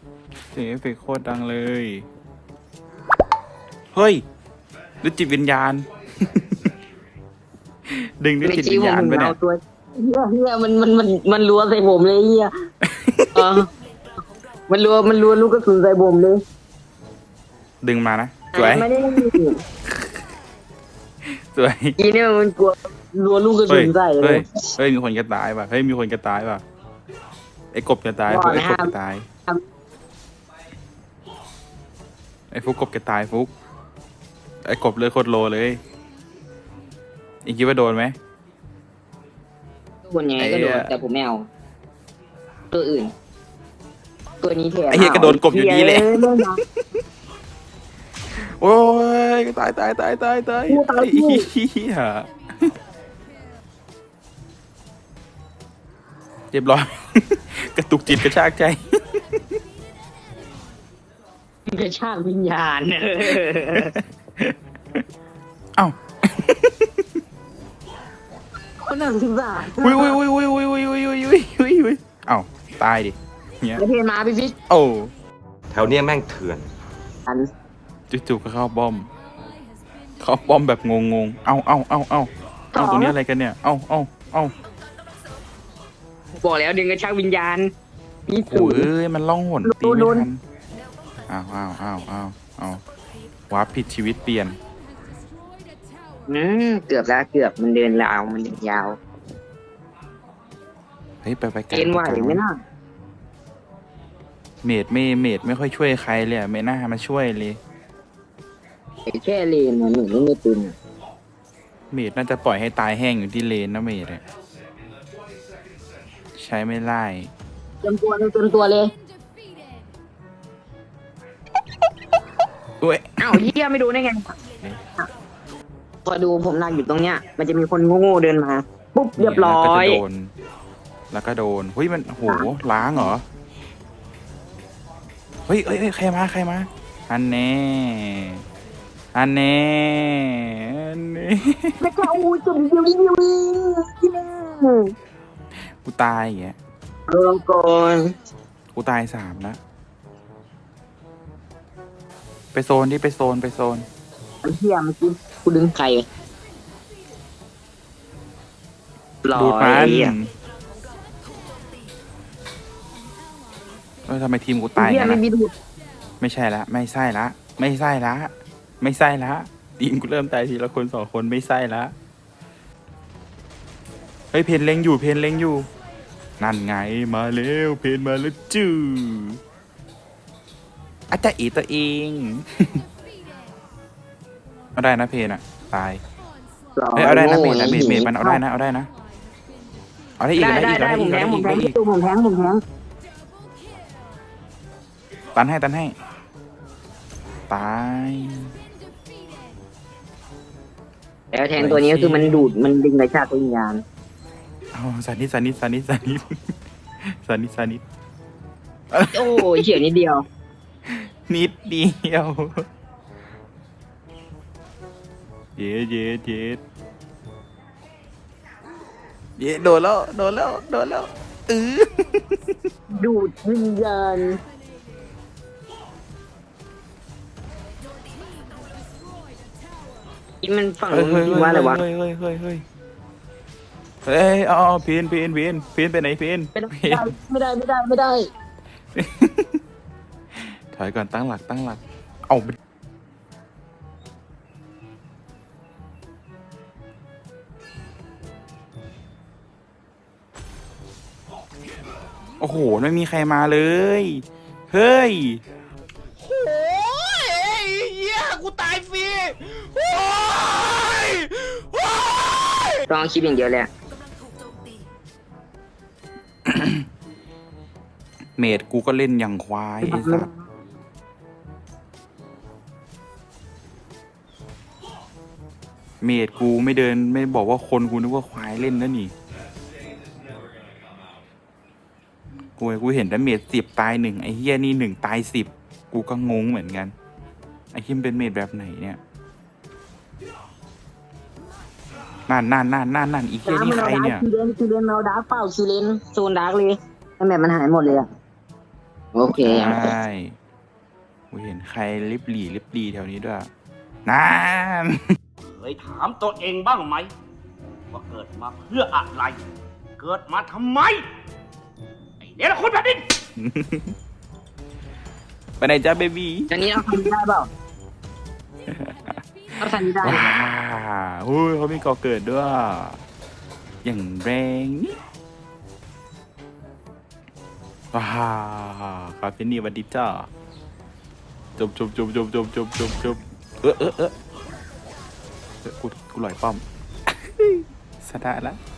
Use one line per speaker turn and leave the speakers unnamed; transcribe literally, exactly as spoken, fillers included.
เสียงเอฟเฟกต์โคตรดังเลย เฮ้ยด้วยจิตวิญญาณ ดึงด้วยจิตวิญญาณไปเนี่ย
ตัวเฮียเฮียมันมันมันมันรัวใส่ผมเลยเฮียเออมันรัวมันรัวลูกกระสุนใส่ผมเลย
ดึงมานะสวย
ไม่ได้
สวย
อีเนี่ยมันกลัวรัวลูกกระ
เฮ้
สุ
ย
นใส่เล
เฮ้ย
ย
เฮ้ยมีคนจะตายป่ะเฮ้ยมีคนจะตายป่ะไอ้กบจะตายพวกไอ้กบจะตายไอ้ฟุกกบจะตายฟุกไอ้กบเลยโคตรโลเลยอีกคิดว่าโดนไหม
คนยังไงก็โดนแต่ผมไม่เอาตัวอื่น ตัวนี้แทน
ไอ้เหี้ยก็โดนกบอยู่ดีแหละโอ้ยตายตายตายตายตายไอ้เหี้ยเรียบร้อย กระตุกจิตกระชากใจ
กระชากวิญญาณ
เอ้า
คนน่าสงสาร
อุ้ยอุ้ยอุ้ยอุ้ยอุ้ยอุ้ยอุ้ยอุ้ยอุ้ยอุ้ยอุ้ยเอ้าตายดิเนี้ย
ไอเพนมาพี่ฟิช
โอ้
แถวเนี้ยแม่งเถื่อน
อัน
จู่ๆก็เข้าป้อม เข้าป้อมแบบงงๆ เอ้าเอ้าเอ้าเอ้าเอ้าตรงนี้อะไรกันเนี่ย เอ้าเอ้าเอ้า
บอกแล้วดึงกระชากวิญญาณนี่
โอ้
สู
ยเอ้ยมันล่องหนตีไม่ทันอ้าวอ้าวอ้าวอ้าวอ้าววาร์ปผิดชีวิตเปลี่ยน
อืมเกือบแล้วเกือบมันเดินยาวมันเดินยาว
เฮ้ยไปไปไกล
เอ็นไหวไหมน่ะ
เมดไม่เมดไม่ค่อยช่วยใครเลยอะไม่น่ามาช่วยเลย
ไอ้แค่เลนมันหนูไม่มีปืน
เมดน่าจะปล่อยให้ตายแห้งอยู่ที่เลนนะเมดอะใช้ไม่ไล่
เต็มตัวเลยเต็มตัวเลย
อุ้ย
อ้าวเฮียไม่ดูได้ไงพอดูผมนั่งอยู่ตรงเนี้ย มันจะมีคนโง่ๆเดินมาปุ๊บเรียบร้อ
แล้วก็
ย
จะโดน แล้วก็โดนเฮ้ยมันโหล้างเหรอ เฮ้ยเฮ้ยเฮ้ยใครมาใครมาอันแน่อันแน่อันแน่
ไม่กล้าอู้จุดเดียวเดียวที่นี่
กูตายอย่างเงี้ย
เออก่อน
กูตายสามแล้วไปโซนดิไปโซนไปโซน
ไอ้เฮียเมื่อกี้กูดึงใครรอ
ดูดมัน
ไอ้เหี้ย
เออทำไมทีมกูตาย
เฮีย
งั้น
ไม่
นะ
มีดูด
ไม่ใช่ละไม่ใช่ละไม่ใช่ละไม่ใช่ละทีมกูเริ่มตายทีละคนสองคนไม่ใช่ละเฮ้ยเพนเล็งอยู่เพนเล็งอยู่นั่นไงมาเร็วเพนมาแล้วจื้ออาจจะอีตัวเอง เอาได้นะเพนอะตาย
รอ
เฮ้ยเอาได้นะเมดนะ
โง่
เมดเมดมันเอาได้นะเอาได้นะเอาได้อีก
ได้
เอาได้
ได้
อีก
ได้
เอา
ผม
ได้
แท
อี
ง
ก
ผม
เอา
แท
ได้
ง
อีก
ผมแทงผมแทง
ตันให้ตันให้ตาย
แล้วแทงตัวนี้ก็คือมันดูดมันดึงกระชากวิญญาณ
เอาสานิดสานิดสานิดสานิดสานิดสานิด
โอ้ยเฉียวนิดเดียว
นิดเดียวเย็ดเย็ดเย็ดเย็ดโดนแล้วโดนแล้วโดนแล้วเออ
ดูดวิญญาณ นี่มันฝั่ง
เฮ้ย
นู้น
เฮ้ย
จริงว่าอะไรวะ
เฮ้ยเฮ้ยเฮ้ยเฮ้ยเฮ้ยเอาเอาพีนพีนพีนพีนไปไหนพีน
ไม่ได้
พีน
ไม่ได้ไม่ได้ไม่ได้
ถอยก่อนตั้งหลักตั้งหลักเอาไปโอ้โหไม่มีใครมาเลย เฮ้ย
โอ้ยเหี้ยกูตายฟรีโอ้ยโอ้ย
ต้องเอาคลิปอย่างเดียวเลยอะ
เมดกูก็เล่นอย่างควายไอ้สัสเมดกูไม่เดินไม่บอกว่าคนกูนึกว่าควายเล่นนะนี่กูกูเห็นแต่เมดสิบตายหนึ่งไอ้เฮียนี่หนึ่งตายสิบกูก็งงเหมือนกันไอ้เฮียมันเป็นเมดแบบไหนเนี่ยนั่นนั่นนั่นนั่นนั่นอีเฮียนี่ใครเนี่ย
คิวเลนคิวเลนเอาดาร์กเปล่าคิวเลนโซนดาร์กเลยทำไมมันหายหมดเลยอะโอเคยัง
ใช่กูเห็นใครลิบหลี่ลิบหลีแถวนี้ด้วยนั่น
เคยถามตัวเองบ้างไหม ว่าเกิดมาเพื่ออะไร เกิดมาทำไม ไอ้เนรคุณแผ่นดิน
ไปไหนจ้าเบบี้
อันนี้เอาคันนี้ได้เปล่าเอาคันนี้ได้
ว้าเฮ้ยเขามีก่อเกิดด้วย อย่างแรงนี่ว้าคาเฟนี่วันดีจ้าจบจบจบจบจบจบจบจบเออเออเออเออกูกูลอยป้อม สตาร์ทแล้ว